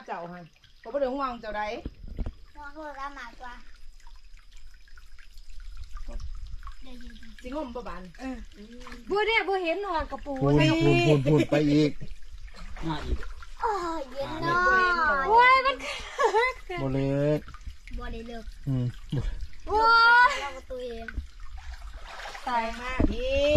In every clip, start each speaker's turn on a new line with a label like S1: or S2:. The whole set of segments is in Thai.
S1: เจ้าฮะผมไม่ได้ห่วงเจ้าใด
S2: ห่วงโทรศัพท์มากกว่า
S1: สิงมประบาน
S3: บัวเนี่ยบัวเห็นหอดกระปู
S4: พูนไปอีก
S5: มาอีก
S2: โอ้ยเย็นเนาะ
S3: โอ้ยมัน
S4: โบเล็ก
S2: บ่ได้เลิก
S3: โอ้ย
S2: เราก็ตัวเอง
S1: ตายมากพี่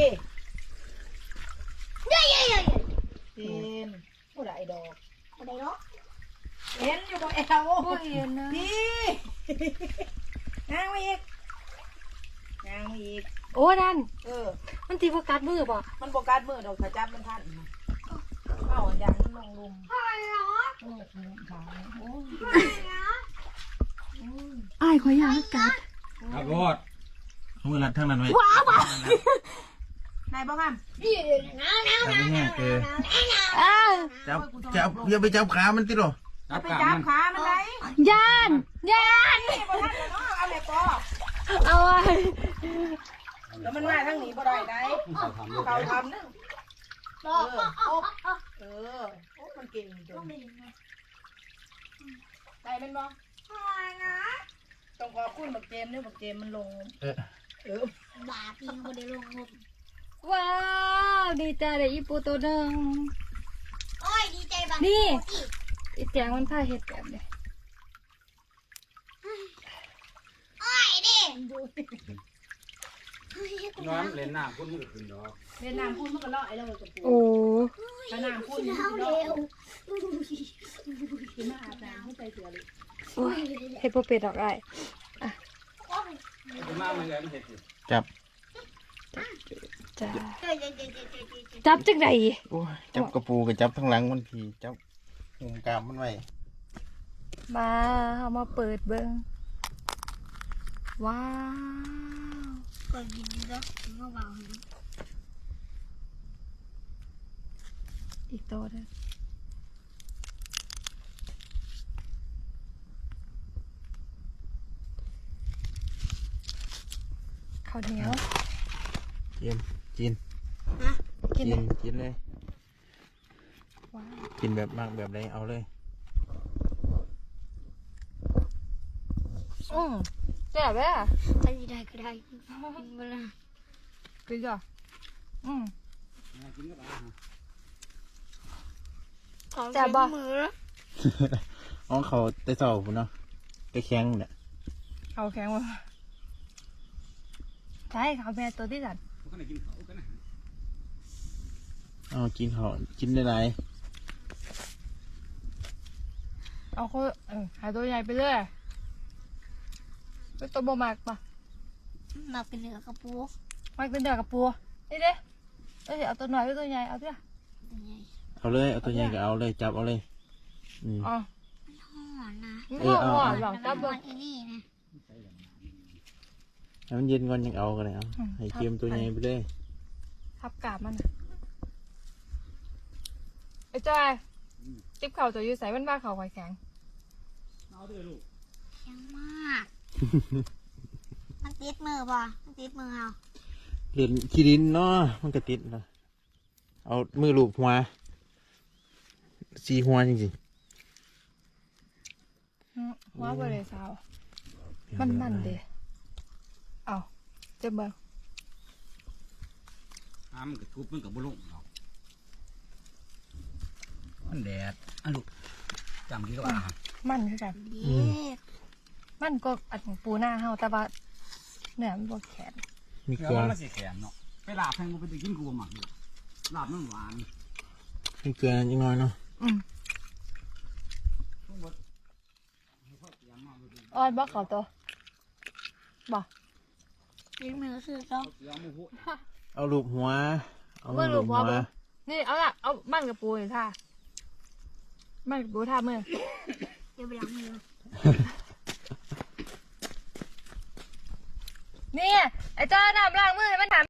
S1: เห็นผู้ใดดอก
S2: บ่ได้เนาะ
S1: เห็นอยู่บ่แอล
S3: บัวเห็นนะ
S1: พี่งางมาอีกงางมาอีก
S3: โอ้นั่น
S1: มัน
S3: ตีประกัดมือบ่
S1: มันโบกัดมือดอกถ้าจับมันทันเอาอย่างมันลงลุม
S3: อ้ายขอยอยากกัด
S5: ครับรถ
S4: เอามือรัดทั้งนั้นไว้
S1: นายบ้างครับ
S4: จับไม่แห้ง
S3: อ้าว
S4: จับอย่าไปจับขามันติหรอ
S5: จับ
S1: ไป
S5: กา
S1: จับ
S5: มัน
S1: ขามันไร
S3: ย่าน
S1: นี่บ่ทันแล้วเนาะเอาแม่ปอ
S3: เอาไว้
S1: แล้วมันมาทั้งนี้บ่ได้ได้
S5: เขาทำลูก
S1: เขาทำนึงโอ้มันเก่งจังได้เป็นบ่ต้องขอบคุณบักเจมเนี่ยบักเจมมันลง
S2: บาปีนบ่ได้ลงงม
S3: ว้าวดีใจเลยอีปูตัวหนึ่ง
S2: โอ้ยดีใจบาง
S3: นี่อีเตียงมันพาเห็ดแบบเลย
S2: โอ้ยดิ
S5: น้องเล่นน้ำคุณมือขึ้นดอก
S1: เวียดนามพูดมันก็เลาะไอ้เรากับปู
S3: โอ้
S1: เวียดนามพูด
S2: กิน
S1: มัน
S2: ข้า
S1: ก็
S2: ว
S1: เลาะ
S2: เร็ว
S1: กินมาอาบน้ำให้ใจเสือเลย
S3: โอ้ยเห็ดโปเป็ดดอกไอ้
S5: คุณมามันเลยมันเห็ดอยู่
S4: จับ
S3: จ้า
S2: เฮ้ย
S3: จับจังได
S4: โอ้ยจับกระปูกับจับทั้งหลังมันพีจับงมกามมันไว้
S3: มาเอามาเปิดเบิ้งว้าว
S2: ก่อนกินนี่ก็มาเบาให้
S3: อีกตัวหนึงข้าวเหนียว
S4: กิน
S3: กินเลย
S4: กินเลย
S3: ว้าว
S4: กินแบบมากแบบใดเอาเลย
S3: แซ่บเลยอ่ะ
S2: ถ้าสิได้ก็ได้กินบ่ล่ะ
S3: กินจ้ะ
S5: กินก็ได้
S3: แซ่บบ่
S2: มือ
S4: อ๋อเขาแต่เสาพุ่นเนาะไปแข้งเนี่ย
S3: เอาแข็งมาใช่ข้าวแม่ตัวที่สัน
S5: พวกนั้นกินเขากันนะ
S4: อ๋อกินเขากินได้ไร
S3: เอาเขาหาตัวใหญ่ไปเรื่อยเป็นตัวบ่มากปะ
S2: มาเป็นเนื้อกระปู
S3: มันเป็นเดือกกับปูนี่เด้เอาตัวหน่อยหรือตัวใหญ่เอาเถอะ
S4: เอาเลยเอาตัวใหญ่ก็เอาเลยจับเอาเลย
S3: อ๋อ
S2: หอนนะ
S3: มันก็หวานหรอกจับ
S2: ห
S3: เบิ้
S2: อง นอีนี่นะ
S4: ให้มันเย็นก่อนยังเอากันเลยเอาให้เค็มตัวใหญ่ไปเลย
S3: ทับกาบมันไอ้จ้อยจิ๊บเข่าตัวอยู่ใส่มันบ้าเข่าไข่แข็ง
S5: เอาด้วยลูก
S2: แข็งมากมันติดมือป่ะมันติดมือเอา
S4: เหรียญขี้ดินเนาะมันก็ติดเนาะเอามือลูบหัวสีหัวจริง
S3: ว้าวเลยสาว
S4: ๆ
S3: มันเด้เอาเจ็บเบิ้ง
S5: มันก็ทุบมันกับบุลุงดอกมันแดดอ่ะลูกจำกินก็ได้
S3: มันคือกัน
S2: เด็ก
S3: มันก็อัดของปูหน้าเฮาแต่ว่าเนื้อมันบ่แข็ง
S4: มี
S5: เก
S4: เก
S5: ลื
S4: ลื
S5: อ
S4: อ
S5: มันสีแข็งเนาะไปลาบแพงกูไปกินกูหมักอยู่ลาบมันหวาน
S4: มีเกลือนิดหน่อยเนาะ
S3: ออดบ่เขาตัวบ่
S2: ติดมือคือต้อง
S4: เอาลูบหัวเอามื
S3: มื
S4: อ
S3: อ
S4: ลู
S3: ลู
S4: บ
S3: ก
S4: หั
S3: หัว
S4: ว
S3: เบิ่งนี่เอาละเอามันกับปูนี่ท่ามันกับปูท่ามือ
S2: เดี๋ยวไปล้างมือ
S3: นี่ไอ้เจ้าน้ำล้างมือให้มันถาม